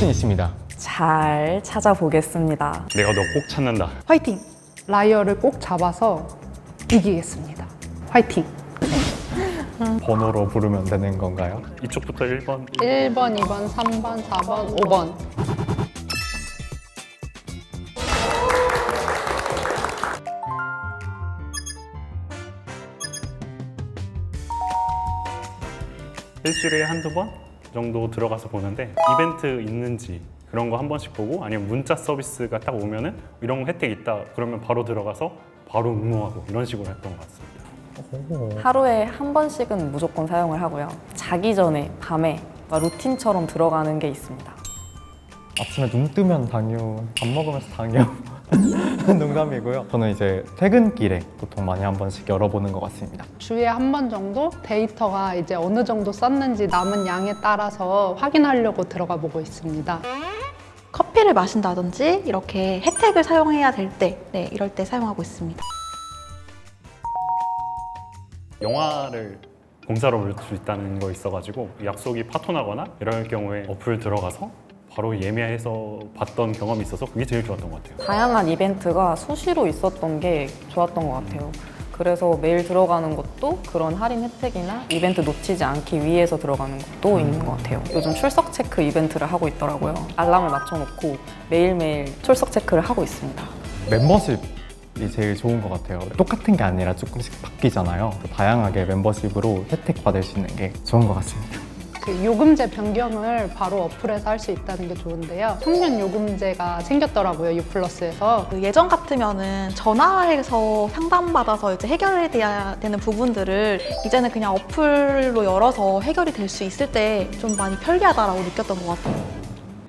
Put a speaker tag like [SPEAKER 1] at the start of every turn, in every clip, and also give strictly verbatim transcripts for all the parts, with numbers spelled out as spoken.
[SPEAKER 1] 자신 있습니다.
[SPEAKER 2] 잘 찾아보겠습니다.
[SPEAKER 3] 내가 너 꼭 찾는다.
[SPEAKER 4] 화이팅! 라이어를 꼭 잡아서 이기겠습니다. 화이팅!
[SPEAKER 1] 번호로 부르면 되는 건가요?
[SPEAKER 3] 이쪽부터 일 번.
[SPEAKER 4] 일 번, 이 번, 삼 번, 사 번, 오 번.
[SPEAKER 3] 일주일에 한두 번 정도 들어가서 보는데 이벤트 있는지 그런 거 한 번씩 보고 아니면 문자 서비스가 딱 오면은 이런 혜택 있다 그러면 바로 들어가서 바로 응모하고 이런 식으로 했던 것 같습니다.
[SPEAKER 2] 하루에 한 번씩은 무조건 사용을 하고요. 자기 전에 밤에 루틴처럼 들어가는 게 있습니다.
[SPEAKER 1] 아침에 눈 뜨면 당뇨, 밥 먹으면서 당뇨. 농담이고요. 저는 이제 퇴근길에 보통 많이 한 번씩 열어보는 것 같습니다.
[SPEAKER 4] 주에 한 번 정도 데이터가 이제 어느 정도 썼는지 남은 양에 따라서 확인하려고 들어가 보고 있습니다.
[SPEAKER 5] 커피를 마신다든지 이렇게 혜택을 사용해야 될 때, 네, 이럴 때 사용하고 있습니다.
[SPEAKER 3] 영화를 공짜로 볼 수 있다는 거 있어가지고 약속이 파토나거나 이럴 경우에 어플 들어가서 바로 예매해서 봤던 경험이 있어서 그게 제일 좋았던 것 같아요.
[SPEAKER 2] 다양한 이벤트가 수시로 있었던 게 좋았던 것 같아요. 그래서 매일 들어가는 것도 그런 할인 혜택이나 이벤트 놓치지 않기 위해서 들어가는 것도 있는 것 같아요. 요즘 출석 체크 이벤트를 하고 있더라고요. 알람을 맞춰놓고 매일매일 출석 체크를 하고 있습니다.
[SPEAKER 1] 멤버십이 제일 좋은 것 같아요. 똑같은 게 아니라 조금씩 바뀌잖아요. 다양하게 멤버십으로 혜택 받을 수 있는 게 좋은 것 같습니다.
[SPEAKER 4] 그 요금제 변경을 바로 어플에서 할 수 있다는 게 좋은데요. 청년 요금제가 생겼더라고요, 유플러스에서.
[SPEAKER 5] 그 예전 같으면은 전화해서 상담받아서 이제 해결해야 되는 부분들을 이제는 그냥 어플로 열어서 해결이 될 수 있을 때 좀 많이 편리하다라고 느꼈던 것 같아요.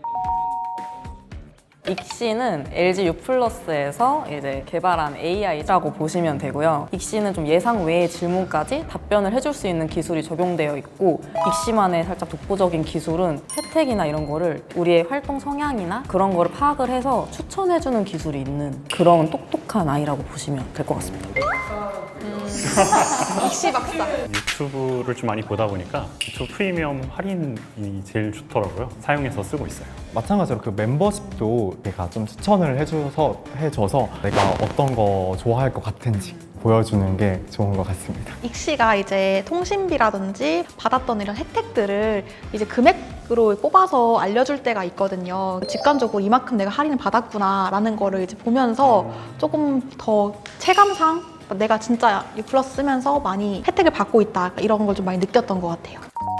[SPEAKER 2] 익시는 엘지 유플러스에서 이제 개발한 에이아이라고 보시면 되고요. 익시는 좀 예상 외의 질문까지 답변을 해줄 수 있는 기술이 적용되어 있고, 익시만의 살짝 독보적인 기술은 혜택이나 이런 거를 우리의 활동 성향이나 그런 거를 파악을 해서 추천해주는 기술이 있는 그런 똑똑한 아이라고 보시면 될 것 같습니다.
[SPEAKER 5] 익시 박사.
[SPEAKER 3] 유튜브를 좀 많이 보다 보니까 유튜브 프리미엄 할인이 제일 좋더라고요. 사용해서 쓰고 있어요.
[SPEAKER 1] 마찬가지로 그 멤버십도 내가 좀 추천을 해줘서, 해줘서 내가 어떤 거 좋아할 것 같은지 보여주는 게 좋은 것 같습니다.
[SPEAKER 5] 익시가 이제 통신비라든지 받았던 이런 혜택들을 이제 금액으로 뽑아서 알려줄 때가 있거든요. 직관적으로 이만큼 내가 할인을 받았구나 라는 거를 이제 보면서 조금 더 체감상 내가 진짜 유플러스 쓰면서 많이 혜택을 받고 있다 이런 걸 좀 많이 느꼈던 것 같아요.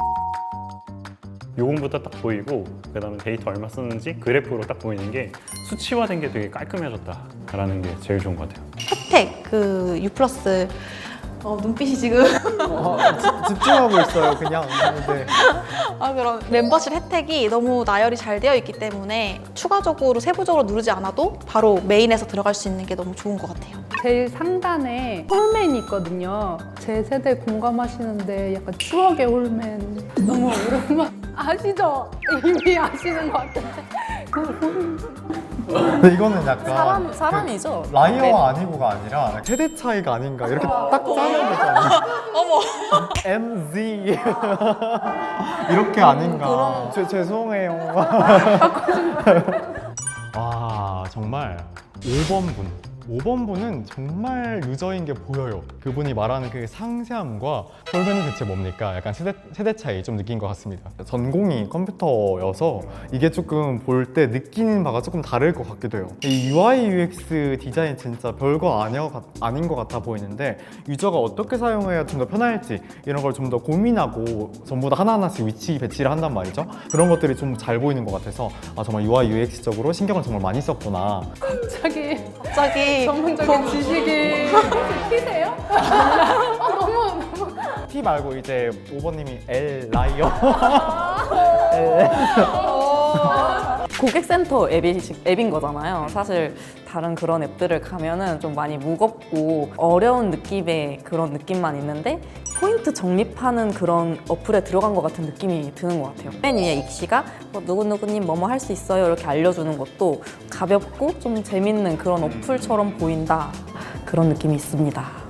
[SPEAKER 3] 요금부터 딱 보이고 그다음에 데이터 얼마 쓰는지 그래프로 딱 보이는 게 수치화된 게 되게 깔끔해졌다라는 게 제일 좋은 것 같아요.
[SPEAKER 5] 혜택, 그 유플러스 어, 눈빛이 지금
[SPEAKER 1] 어, 지- 집중하고 있어요, 그냥. 네.
[SPEAKER 5] 아, 그런 멤버십 혜택이 너무 나열이 잘 되어 있기 때문에 추가적으로 세부적으로 누르지 않아도 바로 메인에서 들어갈 수 있는 게 너무 좋은 것 같아요.
[SPEAKER 4] 제일 상단에 홀맨이 있거든요. 제 세대 공감하시는데 약간 추억의 홀맨. 너무 오랜만 아시죠? 이미 아시는 것 같은데. 그 홀-
[SPEAKER 1] 근데 이거는 약간
[SPEAKER 2] 사람, 사람이죠?
[SPEAKER 1] 그 라이어와 아니고가 아니라 세대 차이가 아닌가 이렇게 딱 짜는 거잖아요.
[SPEAKER 5] 어머!
[SPEAKER 1] 엠지 이렇게 아닌가. 죄- 죄송해요. 와, 정말 오 번 분. 오 번 분은 정말 유저인 게 보여요. 그분이 말하는 그 상세함과 홀맨은 대체 뭡니까? 약간 세대, 세대 차이 좀 느낀 것 같습니다. 전공이 컴퓨터여서 이게 조금 볼 때 느끼는 바가 조금 다를 것 같기도 해요. 이 유아이 유엑스 디자인 진짜 별거 아니어, 아닌 것 같아 보이는데 유저가 어떻게 사용해야 좀 더 편할지 이런 걸 좀 더 고민하고 전부 다 하나하나씩 위치 배치를 한단 말이죠. 그런 것들이 좀 잘 보이는 것 같아서 아, 정말 유아이 유엑스적으로 신경을 정말 많이 썼구나.
[SPEAKER 4] 갑자기
[SPEAKER 5] 갑자기
[SPEAKER 4] 전문적인 지식이 티세요? 아, 너무 너무
[SPEAKER 1] T 말고 이제 오 번님이 L 라이어.
[SPEAKER 2] 고객센터 앱이, 앱인 거잖아요. 사실 다른 그런 앱들을 가면은 좀 많이 무겁고 어려운 느낌의 그런 느낌만 있는데 포인트 적립하는 그런 어플에 들어간 것 같은 느낌이 드는 것 같아요. 맨 위에 익시가 뭐 누구누구님 뭐뭐 할 수 있어요 이렇게 알려주는 것도 가볍고 좀 재밌는 그런 어플처럼 보인다 그런 느낌이 있습니다.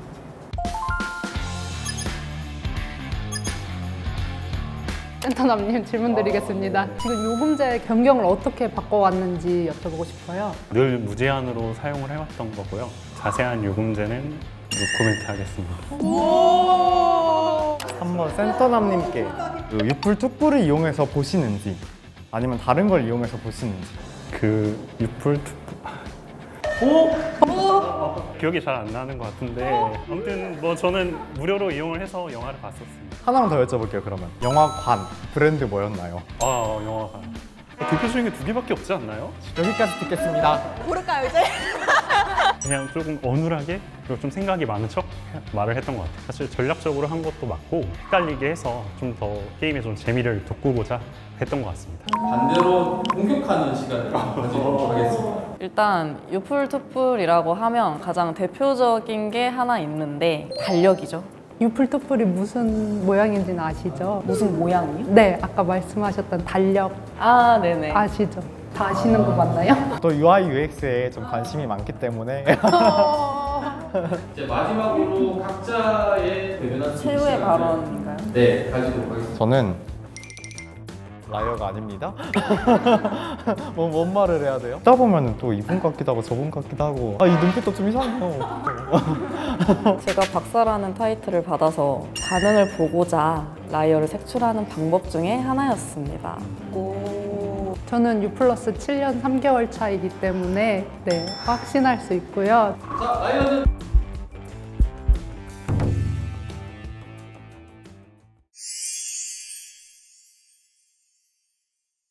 [SPEAKER 4] 센터남님 질문 드리겠습니다. 지금 요금제 변경을 어떻게 바꿔왔는지 여쭤보고 싶어요.
[SPEAKER 3] 늘 무제한으로 사용을 해왔던 거고요. 자세한 요금제는 노코멘트 하겠습니다.
[SPEAKER 1] 한번 센터남님께 그 유풀 툭불을 이용해서 보시는지 아니면 다른 걸 이용해서 보시는지.
[SPEAKER 3] 그 유풀 투... 기억이 잘 안 나는 것 같은데 아무튼 뭐 저는 무료로 이용을 해서 영화를 봤었습니다.
[SPEAKER 1] 하나만 더 여쭤볼게요. 그러면 영화관 브랜드 뭐였나요?
[SPEAKER 3] 아 영화가 대표적인 게 두 개밖에 없지 않나요?
[SPEAKER 1] 여기까지 듣겠습니다.
[SPEAKER 5] 고를까요 이제?
[SPEAKER 3] 그냥 조금 어눌하게 그리고 좀 생각이 많은 척 말을 했던 것 같아요. 사실 전략적으로 한 것도 맞고 헷갈리게 해서 좀 더 게임에 좀 재미를 돋구고자 했던 것 같습니다.
[SPEAKER 6] 반대로 공격하는 시간을 가지도록 하겠습니다.
[SPEAKER 2] 일단 유풀투풀이라고 하면 가장 대표적인 게 하나 있는데 달력이죠.
[SPEAKER 4] 유플투플이 무슨 모양인지는 아시죠?
[SPEAKER 2] 무슨 모양이요?
[SPEAKER 4] 네, 아까 말씀하셨던 달력
[SPEAKER 2] 아, 네네.
[SPEAKER 4] 아시죠? 다 아시는 거 맞나요?
[SPEAKER 1] 또 유아이 유엑스에 좀 관심이 많기 때문에
[SPEAKER 6] 이제 마지막으로 각자의 대변한
[SPEAKER 2] 최후의 발언인가요?
[SPEAKER 6] 네, 가지도록 하겠습니다.
[SPEAKER 1] 저는 라이어가 아닙니다. 뭐, 뭔 말을 해야 돼요? 듣다 보면 또 이분 같기도 하고 저분 같기도 하고 아, 이 눈빛도 좀 이상해요.
[SPEAKER 2] 제가 박사라는 타이틀을 받아서 반응을 보고자 라이어를 색출하는 방법 중에 하나였습니다. 오.
[SPEAKER 4] 저는 U 플러스 칠 년 삼 개월 차이기 때문에 네, 확신할 수 있고요.
[SPEAKER 6] 자, 라이언은